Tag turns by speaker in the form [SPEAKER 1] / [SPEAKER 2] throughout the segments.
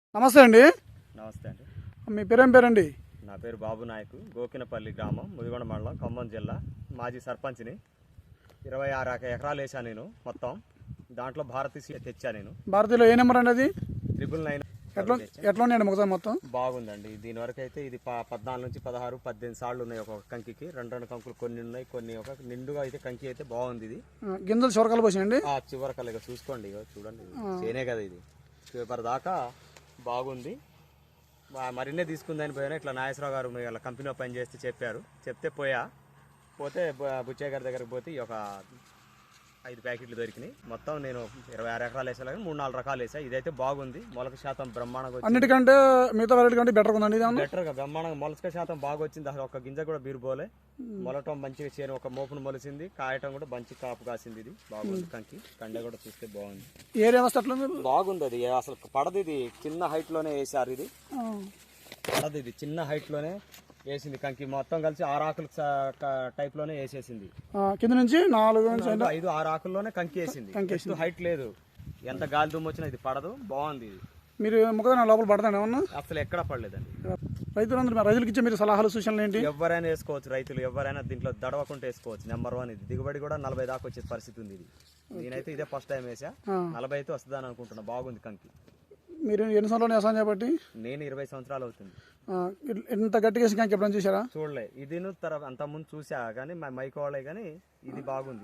[SPEAKER 1] నమస్తే అండి.
[SPEAKER 2] నమస్తే అండి.
[SPEAKER 1] మీ పేరేం పేరండి?
[SPEAKER 2] నా పేరు బాబు నాయకు, గోకినపల్లి గ్రామం, ముదిగొండ మండలం, ఖమ్మం జిల్లా. మాజీ సర్పంచ్ని. 26 ఎకరాలు వేసాను నేను మొత్తం. దాంట్లో భారతీ సీడ్ తెచ్చా నేను.
[SPEAKER 1] భారతీయులో ఏ నెంబర్ అండి అది?
[SPEAKER 2] 999.
[SPEAKER 1] ఎట్లా ఉన్నాయండి మొత్తం మొత్తం?
[SPEAKER 2] బాగుందండి. దీని వరకు అయితే ఇది 14 నుంచి 16, 18 సార్లు ఉన్నాయి ఒక కంకికి. రెండు కంకులు కొన్ని ఉన్నాయి, కొన్ని ఒక నిండుగా అయితే కంకి అయితే బాగుంది. ఇది
[SPEAKER 1] గింజలు చివరకాలు పోసాయండి.
[SPEAKER 2] చివరకల్లా ఇక చూసుకోండి, ఇక చూడండి, చేనే కదా ఇది. చివరి దాకా బాగుంది. మరిన్నే తీసుకుందని పోయినా ఇట్లా నాగేశ్వరరావు గారు ఇలా కంపెనీలో పని చేస్తే చెప్పారు. చెప్తే పోతే బుచ్చయ్య గారి దగ్గరికి పోతే ఒక 5 ప్యాకెట్లు దొరికినాయి. మొత్తం నేను 26 ఎకరాలు వేసా, 3-4 రకాలు వేసా. ఇదైతే బాగుంది. మొలక శాతం బ్రహ్మాండంగా,
[SPEAKER 1] అన్నిటికంటే మిగతా వెరైటీ కంటే బెటర్ ఉందండి.
[SPEAKER 2] బెటర్గా బ్రహ్మాండంగా మొలక శాతం బాగా వచ్చింది. అసలు ఒక గింజ కూడా బీరుపోలే. మొలటం మంచిగా చేను ఒక మోపును మొలిసింది. కాయటం కూడా మంచి కాపు కాసింది. ఇది బాగుంది. కండ కూడా చూస్తే బాగుంది.
[SPEAKER 1] ఏరియా వస్తే అట్లా
[SPEAKER 2] బాగుంది. అది అసలు పడదు. ఇది చిన్న హైట్ లోనే వేసారు. ఇది పడదు. ఇది చిన్న హైట్ లోనే వేసింది. కంకి మొత్తం కలిసి 6 ఆకుల టైప్ లోనే వేసేసింది.
[SPEAKER 1] కింద నుంచి 4-5
[SPEAKER 2] 6 ఆకుల్లోనే కంకి వేసింది. హైట్ లేదు. ఎంత గాలి దుమ్ము వచ్చినా ఇది పడదు. బాగుంది. ఇది
[SPEAKER 1] మీరు మొక్కజొన్న లోపల పడతాను ఏమన్నా?
[SPEAKER 2] అసలు ఎక్కడ పడలేదండి.
[SPEAKER 1] రైతులకి ఇచ్చే మీరు సలహాలు సూచనలు ఏంటి?
[SPEAKER 2] ఎవరైనా వేసుకోవచ్చు. రైతులు ఎవరైనా దీంట్లో దడవకుండా వేసుకోవచ్చు. నెంబర్ 1 ఇది. దిగుబడి కూడా 40 దాకా వచ్చే పరిస్థితి ఉంది. ఇది నేనైతే ఇదే ఫస్ట్ టైం వేసా. 40 అయితే వస్తుందని అనుకుంటున్నా. బాగుంది కంకి.
[SPEAKER 1] మీరు ఎన్ని సంవత్సరాలు వ్యవసాయం చేపట్టి?
[SPEAKER 2] నేను 20 సంవత్సరాలు అవుతుంది.
[SPEAKER 1] ఎంత గట్టిగా వేసి కంకి ఎప్పుడైనా చూసారా?
[SPEAKER 2] చూడలే. ఇది అంత ముందు చూసా కానీ మైకోవాలే, కానీ ఇది బాగుంది.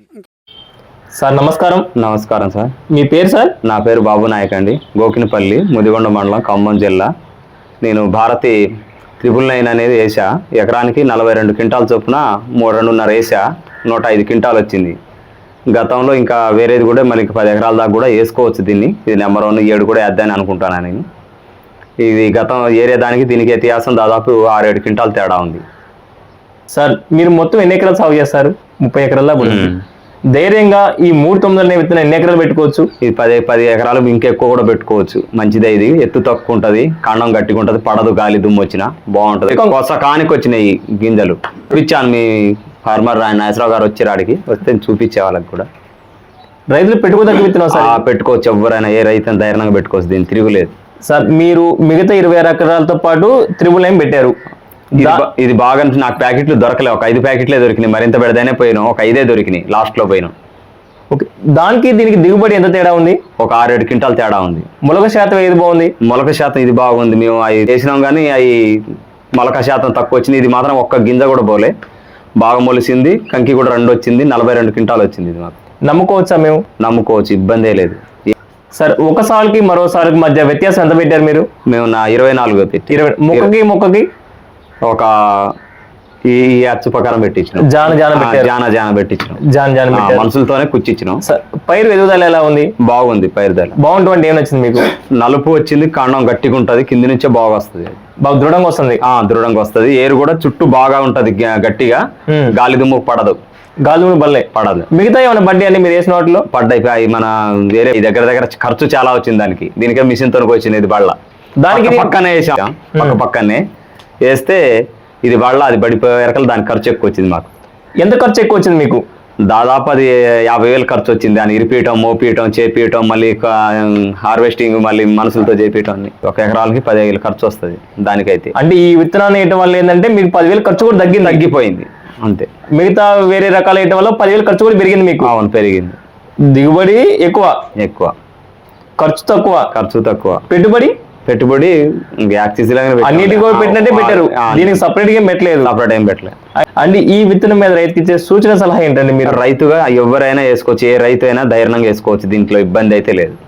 [SPEAKER 3] సార్ నమస్కారం.
[SPEAKER 4] నమస్కారం సార్.
[SPEAKER 3] మీ పేరు సార్?
[SPEAKER 4] నా పేరు బాబు నాయక్ అండి, గోకినపల్లి, ముదిగొండ మండలం, ఖమ్మం జిల్లా. నేను భారతి 999 అనేది వేసా. ఎకరానికి 42 క్వింటాల చొప్పున 2.5 వేసా. 105 క్వింటాలు వచ్చింది. గతంలో ఇంకా వేరేది కూడా మళ్ళీ 10 ఎకరాల దాకా కూడా వేసుకోవచ్చు దీన్ని. ఇది నెంబర్ 1 7 కూడా వేద్దాని అనుకుంటాను నేను. ఇది గతం ఏరియా దానికి దీనికి వ్యత్యాసం దాదాపు 6-7 క్వింటాల తేడా ఉంది.
[SPEAKER 3] సార్ మీరు మొత్తం ఎన్ని ఎకరాలు సాగు చేస్తారు? 30 ఎకరాల ధైర్యంగా ఈ 3.9 విత్తనం ఎన్ని ఎకరాలు పెట్టుకోవచ్చు?
[SPEAKER 4] ఇది 10 ఎకరాలు ఇంకెక్కువ కూడా పెట్టుకోవచ్చు. మంచిదే. ఇది ఎత్తు తక్కువ ఉంటుంది, కాండం గట్టిగా ఉంటుంది, పడదు, గాలి దుమ్ము వచ్చినా బాగుంటుంది. కొత్త కానికి వచ్చినాయి గింజలు చూపించాను. మీ ఫార్మర్ నాగేశ్వరరావు గారు వచ్చేరాడికి వస్తే చూపించే వాళ్ళకి కూడా.
[SPEAKER 3] రైతులు పెట్టుకోదగ్గ విత్తనం సార్?
[SPEAKER 4] పెట్టుకోవచ్చు. ఎవరైనా ఏ రైతు ధైర్యంగా పెట్టుకోవచ్చు. దీన్ని తిరుగులేదు
[SPEAKER 3] సార్. మీరు మిగతా 26 ఎకరాలతో పాటు 999 పెట్టారు.
[SPEAKER 4] ఇది బాగా నాకు ప్యాకెట్లు దొరకలే. ఒక 5 ప్యాకెట్లే దొరికినాయి. మరింత పెడదనే పోయినాం. ఒక 5 దొరికినాయి. లాస్ట్లో పోయినాం.
[SPEAKER 3] ఓకే. దానికి దీనికి దిగుబడి ఎంత తేడా ఉంది?
[SPEAKER 4] ఒక 6-7 క్వింటాల తేడా ఉంది.
[SPEAKER 3] మొలక శాతం ఏది బాగుంది?
[SPEAKER 4] మొలక శాతం ఇది బాగుంది. మేము అవి వేసినాం కానీ అవి మొలక శాతం తక్కువ వచ్చింది. ఇది మాత్రం ఒక్క గింజ కూడా పోలే. బాగా మొలిసింది. కంకి కూడా 2 వచ్చింది. 42 క్వింటాలు వచ్చింది. ఇది మాకు
[SPEAKER 3] నమ్ముకోవచ్చా? మేము నమ్ముకోవచ్చు.
[SPEAKER 4] ఇబ్బందే లేదు
[SPEAKER 3] సార్. ఒక సాల్కి మరో సాల్కి మధ్య వ్యత్యాసం ఎంత పెట్టారు మీరు?
[SPEAKER 4] మేము 24 పెట్టి
[SPEAKER 3] మొక్కకి
[SPEAKER 4] ఒక ఈ అచ్చు ప్రకారం పెట్టించినాం. జాన పెట్టించినాం. మనుషులతోనే కుచ్చిచ్చినాం.
[SPEAKER 3] పైరు ఎదుగుదల ఎలా ఉంది?
[SPEAKER 4] బాగుంది. పైరుదల
[SPEAKER 3] బాగుంటుంది. ఏం నచ్చింది మీకు?
[SPEAKER 4] నలుపు వచ్చింది. కాండం గట్టిగా ఉంటుంది. కింది నుంచే బాగా వస్తుంది.
[SPEAKER 3] బాగా దృఢంగా వస్తుంది.
[SPEAKER 4] దృఢంగా వస్తుంది. ఏరు కూడా చుట్టూ బాగా ఉంటది. గట్టిగా గాలి దుమ్ము పడదు.
[SPEAKER 3] గాలి దుమ్ము బల్లే పడదు. మిగతా ఏమైనా బడ్డీ అన్ని మీరు వేసిన వాటిలో
[SPEAKER 4] పడ్డాయి. మన వేరే దగ్గర ఖర్చు చాలా వచ్చింది దానికి. దీనికే మిషన్ తోనికి వచ్చింది. ఇది బళ్ళ
[SPEAKER 3] దానికి
[SPEAKER 4] పక్కనే వేసాం. పక్కనే వేస్తే ఇది బళ్ళ, అది పడిపోయే వరకు దానికి ఖర్చు ఎక్కువ వచ్చింది మాకు.
[SPEAKER 3] ఎంత ఖర్చు ఎక్కువ వచ్చింది మీకు?
[SPEAKER 4] దాదాపు అది 50,000 ఖర్చు వచ్చింది. దాన్ని ఇరిపీయటం, మోపియటం, చేపియటం, మళ్ళీ హార్వెస్టింగ్, మళ్ళీ మనుషులతో చేపియటం. ఒక ఎకరాలకి 10,000 ఖర్చు వస్తుంది దానికైతే.
[SPEAKER 3] అంటే ఈ విత్తనాన్ని వేయటం వల్ల ఏంటంటే మీకు 10,000 ఖర్చు కూడా
[SPEAKER 4] తగ్గిపోయింది అంతే.
[SPEAKER 3] మిగతా వేరే రకాలు వేయటం వల్ల 10,000 ఖర్చు కూడా పెరిగింది మీకు?
[SPEAKER 4] అవును, పెరిగింది.
[SPEAKER 3] దిగుబడి ఎక్కువ, ఖర్చు తక్కువ.
[SPEAKER 4] పెట్టుబడి
[SPEAKER 3] అన్నిటి కూడా పెట్టినట్టే పెట్టారు. దీనికి సపరేట్ గా పెట్టలేదు. అంటే ఈ విత్తనం మీద రైతుకి ఇచ్చే సూచన సలహా ఏంటండి? మీరు
[SPEAKER 4] రైతుగా ఎవరైనా వేసుకోవచ్చు. ఏ రైతు అయినా ధైర్యంగా వేసుకోవచ్చు. దీంట్లో ఇబ్బంది అయితే లేదు.